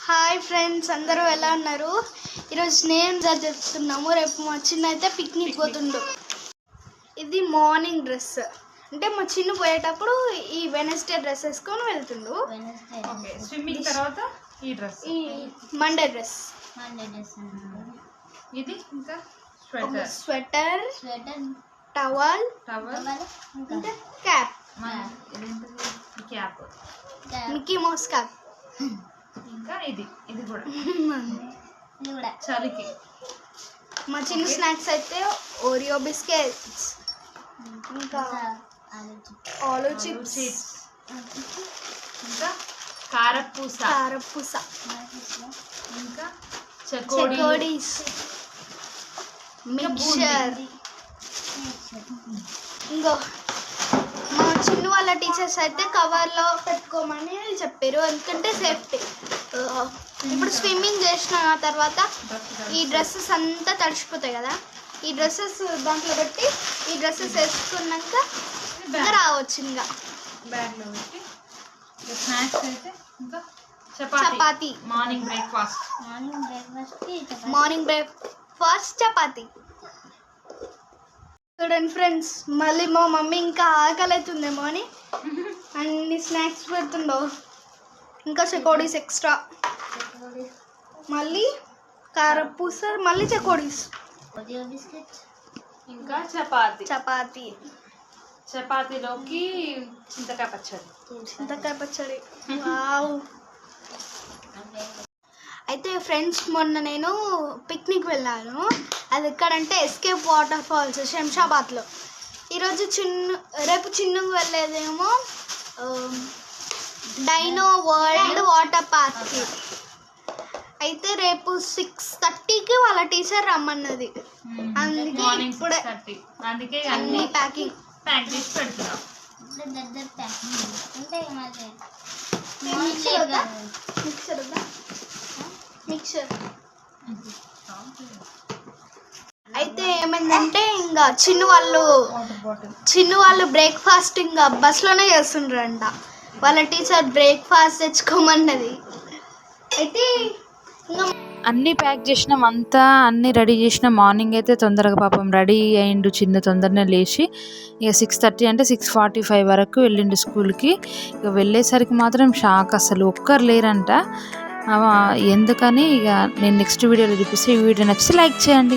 Hi friends, అందరూ ఎలా ఉన్నారు? ఈరోజు నేను చెప్తున్నాము. రేపు మా చిన్న అయితే పిక్నిక్ పోతుండు. ఇది మార్నింగ్ డ్రెస్, అంటే మా చిన్న పోయేటప్పుడు ఈ వెనస్డే డ్రెస్ వేసుకొని వెళ్తుండు. స్విమ్మింగ్ తర్వాత ఈ మండే డ్రెస్. ఇది ఇంకా స్వెటర్, టవల్, ఇంకా cap, cap, Mickey Mouse cap. ఇంకా ఇది కూడా చలికి. మా చిన్న స్నాక్స్ అయితే ఓరియో బిస్కెట్స్, ఇంకా ఆలూ చిప్స్, ఇంకా కారపూస, ఇంకా చెకోడీస్, మిక్చర్. ఇంకో మా చిన్న వాళ్ళ టీచర్స్ అయితే కవర్లో పెట్టుకోమని చెప్పారు, ఎందుకంటే సేఫ్టీ. ఇప్పుడు స్విమ్మింగ్ చేసిన తర్వాత ఈ డ్రెస్సెస్ అంతా తడిచిపోతాయి కదా, ఈ డ్రెస్సెస్ దాంట్లో పెట్టి ఈ డ్రెస్సెస్ వేసుకున్నాక ఇంకా రావచ్చు. ఇంకా బ్యాగ్లో పెట్టి స్నాక్స్ అయితే ఇంకా చపాతీ. Morning breakfast chapati. చూడండి ఫ్రెండ్స్, మళ్ళీ మా మమ్మీ ఇంకా ఆకలి అవుతుందేమో అని అన్ని స్నాక్స్ పెడుతుండవు. ఇంకా చెకోడీస్ ఎక్స్ట్రా, మళ్ళీ కారపూస, మళ్ళీ చెకోడీస్, ఇంకా చపాతీలోకి చింతకాయ పచ్చడి. వావ్. అయితే ఫ్రెండ్స్, మొన్న నేను పిక్నిక్ వెళ్ళాను. అది ఎక్కడంటే ఎస్కేప్ వాటర్ ఫాల్స్, శంషాబాద్లో. ఈరోజు రేపు చిన్నగా వెళ్ళేదేమో డైనో వరల్డ్ వాటర్ పార్క్కి. అయితే రేపు 6:30కి వాళ్ళ టీచర్ రమ్మన్నది. అందుకే ఇప్పుడే అన్ని ప్యాక్ చేసి పెడుతున్నాం. మిక్చర్. అయితే ఏమైందంటే ఇంకా చిన్న వాళ్ళు బ్రేక్ఫాస్ట్ ఇంకా బస్లోనే చేస్తుండ్రంట. వాళ్ళ టీచర్ బ్రేక్ఫాస్ట్ తెచ్చుకోమన్నది. అయితే ఇంకా అన్నీ ప్యాక్ చేసినాం, అంతా అన్నీ రెడీ చేసినాం. మార్నింగ్ అయితే తొందరగా పాపం రెడీ అయ్యిండు చిన్న, తొందరనే లేచి ఇక 6:30 అంటే 6:45 వరకు వెళ్ళిండు స్కూల్కి. ఇక వెళ్ళేసరికి మాత్రం షాక్, అసలు ఒక్కరు లేరంట. ఎందుకని ఇక నేను నెక్స్ట్ వీడియోలో చూపిస్తే, ఈ వీడియో నచ్చితే లైక్ చేయండి.